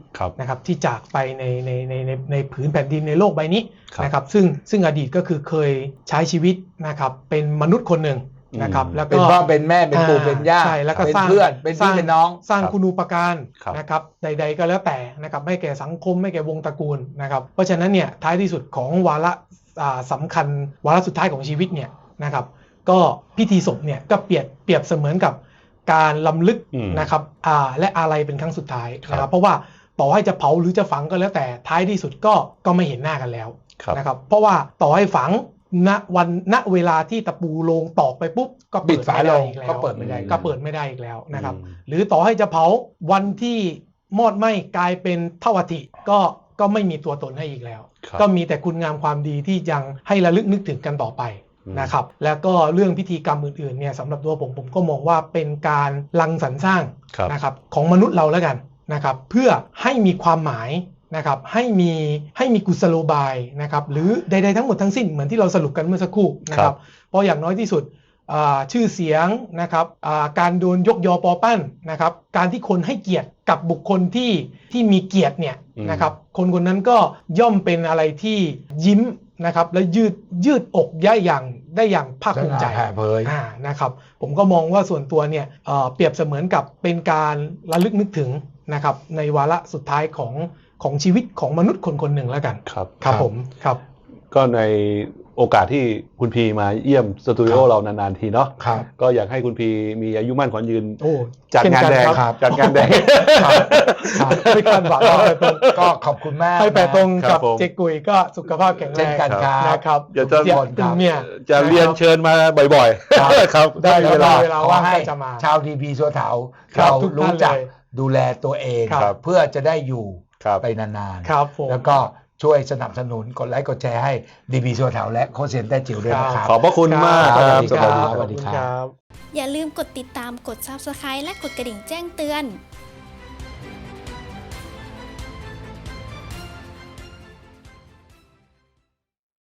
Speaker 2: นะครับที่จากไปในในในในในผืนแผ่นดินในโลกใบนี้นะครับซึ่งซึ่งอดีตก็คือเคยใช้ชีวิตนะครับเป็นมนุษย์คนหนึ่งนะครับแล้วก็
Speaker 1: เป็นพ่อเป็นแม่เป็นปู่เป็นย่า
Speaker 2: ใช่แล้วก็
Speaker 1: เป็น
Speaker 2: สร้าง
Speaker 1: เพื่อนเป็นพี่เป็นน้อง
Speaker 2: สร้างคุณูปการ
Speaker 3: ครับ
Speaker 2: นะครับใดๆก็แล้วแต่นะครับไม่แก่สังคมไม่แก่วงตระกูลนะครับเพราะฉะนั้นเนี่ยท้ายที่สุดของวาระอ่าสำคัญวาระสุดท้ายของชีวิตเนี่ยนะครับก็พิธีศพเนี่ยก็เปรียบเปรียบเสมือนกับการล้ำลึก
Speaker 3: อืม
Speaker 2: นะครับอ่าและอาลัยเป็นครั้งสุดท้ายนะค
Speaker 3: ครั
Speaker 2: รับบ เพราะว่าต่อให้จะเผาหรือจะฝังก็แล้วแต่ท้ายที่สุดก็ก็ไม่เห็นหน้ากันแล้ว
Speaker 3: ครับ
Speaker 2: นะครับเพราะว่าต่อให้ฝังณวันณเวลาที่ตะปูโลงตอกไปปุ๊บก็
Speaker 1: บิ
Speaker 2: เปิ
Speaker 1: ด
Speaker 2: ด
Speaker 1: ฝา
Speaker 2: ไม่
Speaker 1: โล
Speaker 2: ได้
Speaker 1: ง
Speaker 2: อีกแล้ว
Speaker 1: ก็เปิดไม่ได้
Speaker 2: ก็เปิดไม่ได้อีกแล้วนะครับ
Speaker 3: อืม
Speaker 2: หรือต่อให้จะเผาวันที่มอดไหม้กลายเป็นเท่าอัฐิก็ก็ไม่มีตัวตนให้อีกแล้ว
Speaker 3: ครับ
Speaker 2: ก็มีแต่คุณงามความดีที่ยังให้ระลึกนึกถึงกันต่อไป
Speaker 3: อืม
Speaker 2: นะครับแล้วก็เรื่องพิธีกรรมอื่นๆเนี่ยสำหรับตัวผมผมก็มองว่าเป็นการรังสรรค์สร้าง
Speaker 3: ครับ
Speaker 2: นะครับของมนุษย์เราแล้วกันนะครับเพื่อให้มีความหมายนะครับให้มีให้มีกุศโลบายนะครับหรือใดๆทั้งหมดทั้งสิ้นเหมือนที่เราสรุปกันเมื่อสักครู่นะครับเพราะอย่างน้อยที่สุดอ่าชื่อเสียงนะครับอ่าการโดนยกยอปอปั้นนะครับการที่คนให้เกียรติกับบุคคลที่ที่มีเกียรติเนี่ย
Speaker 3: อืม
Speaker 2: นะครับคนคนนั้นก็ย่อมเป็นอะไรที่ยิ้มนะครับและยืดยืดอกได้อย่างได้อย่างภาคภูมิใจ
Speaker 1: แผ่เผย
Speaker 2: อ่านะครับผมก็มองว่าส่วนตัวเนี่ยเอ่อเปรียบเสมือนกับเป็นการระลึกนึกถึงนะครับในวาระสุดท้ายของของชีวิตของมนุษย์คนคนหนึ่งแล้วกัน
Speaker 3: ครับ
Speaker 2: ครับผมครับ
Speaker 3: ก็ในโอกาสที่คุณพีมาเยี่ยมสตูดิโอเรานานๆทีเนาะ
Speaker 1: ครับ
Speaker 3: ก็อยากให้คุณพีมีอายุมั่นขวัญยืน
Speaker 2: โอ้
Speaker 3: จัดงานแดง
Speaker 2: เช่นกั
Speaker 1: ครับ
Speaker 3: จัดงานแดง
Speaker 1: ครับครับ
Speaker 2: ไม่คาดหวังเอาไปตรง
Speaker 1: ก็ขอบคุณมาก
Speaker 2: ให้แปะตรง
Speaker 3: ครั
Speaker 2: กับบ
Speaker 3: ผม
Speaker 2: เจ๊กุยก็สุขภาพแข็งแร
Speaker 1: เช่น
Speaker 2: ง
Speaker 1: กันครับ
Speaker 2: นะครับ
Speaker 3: เดี๋ยวจะ
Speaker 2: เจี๊ยบ
Speaker 1: ครับ
Speaker 2: เนี่ย
Speaker 3: จะเรียนเชิญมาบ่อยๆ
Speaker 1: ครับ
Speaker 3: ครับ
Speaker 2: ได้
Speaker 3: ได้เวลา
Speaker 2: เวลา
Speaker 1: ขอ
Speaker 2: ว่าง
Speaker 1: ให้
Speaker 2: ก็จะมา
Speaker 1: ชาวดีบีสัวเถา
Speaker 2: ครับ
Speaker 1: เรา
Speaker 2: ทุกท่าน
Speaker 1: รู้จัก
Speaker 2: เลย
Speaker 1: ดูแลตัวเอง
Speaker 2: ครับ
Speaker 1: เพื่อจะได้อยู่
Speaker 3: ครับ
Speaker 1: ไปนาน
Speaker 2: ครับผม
Speaker 1: แล้วก็ช่วยสนับสนุนกดไลค์กดแชร์ให้ดีบีสัวเถาและโคชเซียนแต้จิ๋วด้วยนะครับ
Speaker 3: ขอบพระคุณมาก
Speaker 1: ค
Speaker 3: ค
Speaker 1: รั
Speaker 3: รับ บ
Speaker 1: สวัสดีครับ
Speaker 3: ส
Speaker 1: สวั
Speaker 3: วัส
Speaker 1: สดี
Speaker 3: ดี
Speaker 1: ครับ
Speaker 2: ครับ
Speaker 4: อย่าลืมกดติดตามกด ซับสไครบ์ และกดกระดิ่งแจ้งเตือน